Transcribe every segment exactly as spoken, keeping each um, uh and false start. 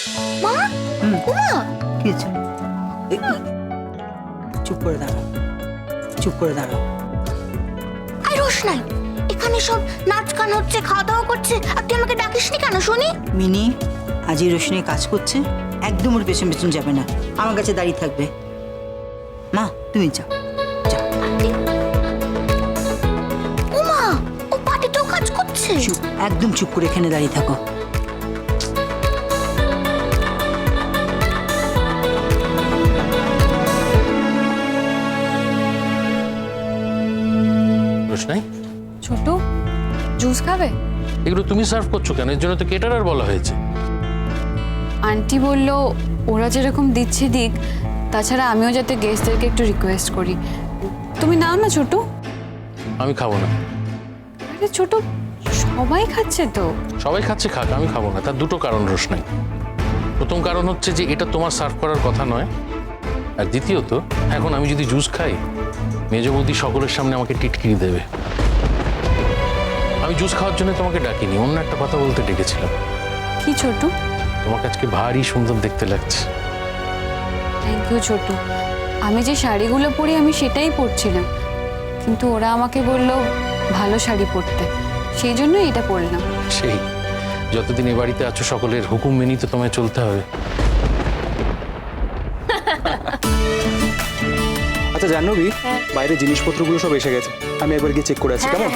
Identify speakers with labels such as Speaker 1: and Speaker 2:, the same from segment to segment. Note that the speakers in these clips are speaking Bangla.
Speaker 1: মা, উমা,
Speaker 2: কি হয়েছে? এই, চুপ করে দাঁড়াও, চুপ করে দাঁড়াও।
Speaker 1: আই রোশনাই, এখানে সব নাচ গান হচ্ছে, খাওয়া দাওয়া করছে, আর তুই আমাকে ডাকিসনি কেন শুনি?
Speaker 2: মিনি, আজ এই রোশনি কাজ করছে, একদম ওর পেছন পেছন যাবে না, আমার কাছে দাঁড়িয়ে থাকবে। মা তুমি যাও, যাও।
Speaker 1: উমা, ও পার্টিতেও কাজ করছে?
Speaker 2: চুপ, একদম চুপ করে এখানে দাঁড়িয়ে থাকো।
Speaker 3: রোশনাই,
Speaker 4: ছোট জুস খাবে?
Speaker 3: এগুলো তুমি সার্ভ করছো কেন? এর জন্য তো কেটারার বলা হয়েছে।
Speaker 4: আন্টি বলল ওরা যেরকম দিচ্ছে দিক, তাছাড়া আমিও যাতে গেস্টদেরকে একটু রিকোয়েস্ট করি। তুমি নাও না ছোট।
Speaker 3: আমি খাবো না।
Speaker 4: আরে ছোট, সবাই খাচ্ছে তো।
Speaker 3: সবাই খাচ্ছে, খাক, আমি খাবো না। তার দুটো কারণ রোশনাই। প্রথম কারণ হচ্ছে যে এটা তোমার সার্ভ করার কথা নয়, আর দ্বিতীয়ত এখন আমি যদি জুস খাই, মেজ বৌদি সকলের সামনে আমাকে টিটকিরি দেবে। আমি জুস খাওয়ার জন্য তোমাকে ডাকিনি, অন্য একটা কথা বলতে ডেকেছিলাম।
Speaker 4: কি ছোট?
Speaker 3: তোমাকে আজকে ভারী সুন্দর দেখতে লাগছে।
Speaker 4: থ্যাংক ইউ ছোট। আমি যে শাড়িগুলো পরি আমি সেটাই পরছিলাম, কিন্তু ওরা আমাকে বলল ভালো শাড়ি পরতে, সেই জন্যই এটা পরলাম।
Speaker 3: সেই যতদিন এ বাড়িতে আছো সকলের হুকুম মেনেই তো তোমায় চলতে হবে।
Speaker 5: আচ্ছা জাহ্নবী, বাইরে জিনিসপত্রগুলো সব এসে গেছে, আমি একবার গিয়ে চেক করে আসি, কেমন?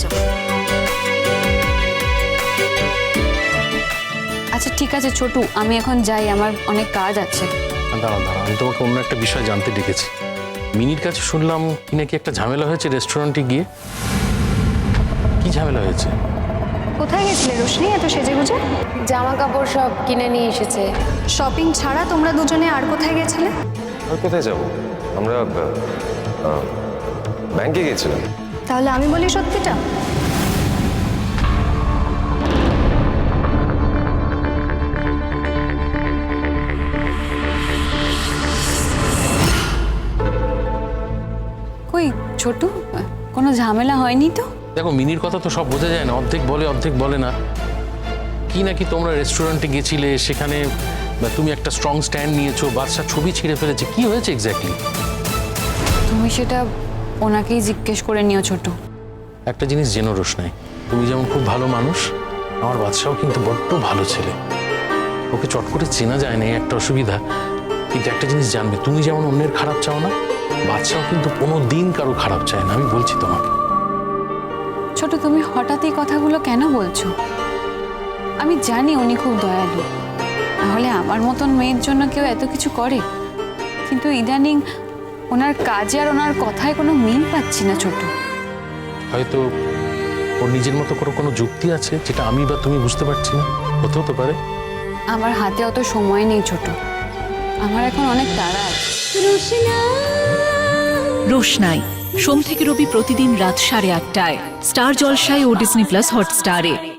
Speaker 4: আচ্ছা ঠিক আছে ছোট, আমি এখন যাই, আমার অনেক কাজ আছে।
Speaker 3: দাঁড়াও দাঁড়াও, আমি তোমাকে অন্য একটা বিষয় জানতে ডেকেছি। মিনির কাছে শুনলাম কি নাকি একটা ঝামেলা হয়েছে রেস্টুরেন্টে গিয়ে। কি ঝামেলা হয়েছে?
Speaker 6: কোথায় গেছিলে রোশনি এত সেজে গুজে?
Speaker 7: জামা কাপড় সব কিনে নিয়ে এসেছে।
Speaker 6: শপিং ছাড়া তোমরা দুজনে আর কোথায় গেছিলে?
Speaker 8: আর কোথায় যাব? আমরা আহ, ব্যাংকে গেছিলাম।
Speaker 6: তাহলে আমি বলি সত্যিটা,
Speaker 4: কই ছোট, কোনো ঝামেলা হয়নি তো?
Speaker 3: দেখো, মিনির কথা তো সব বোঝা যায় না, অর্ধেক বলে অর্ধেক বলে না। কি নাকি তোমরা রেস্টুরেন্টে গেছিলে, সেখানে তুমি একটা স্ট্রং স্ট্যান্ড নিয়েছো, বাদশা ছবি ছিঁড়ে ফেলেছে, কি হয়েছে এক্স্যাক্টলি?
Speaker 4: তুমি সেটা ওনাকেই জিজ্ঞেস করে নিও ছোট।
Speaker 3: একটা জিনিস জেনো রোশনাই, তুমি যেমন খুব ভালো মানুষ, আমার বাদশাও কিন্তু বড্ড ভালো ছেলে। ওকে চট করে চেনা যায় না, এই একটা অসুবিধা। কিন্তু একটা জিনিস জানবে, তুমি যেমন অন্যের খারাপ চাও না, বাদশাও কিন্তু কোনো দিন কারো খারাপ চায় না, আমি বলছি তোমাকে।
Speaker 4: ছোট, তুমি হঠাৎ এই কথাগুলো কেন বলছো? আমি জানি উনি খুব দয়ালু, নাহলে আমার মতন মেয়ের জন্য কেউ এত কিছু করে। কিন্তু ইদানিং ওনার কাজে আর ওনার কথায় কোনো মিল পাচ্ছি না ছোট।
Speaker 3: হয়তো ওর নিজের মতো করে কোনো যুক্তি আছে যেটা আমি বা তুমি বুঝতে পারছি না, হতেও তো পারে।
Speaker 4: আমার হাতে অত সময় নেই ছোট, আমার এখন অনেক তাড়া আছে।
Speaker 9: রোশনাই সোম থেকে রবি প্রতিদিন রাত সাড়ে আটটায় স্টার জলসায় ও ডিজনি প্লাস হটস্টারে।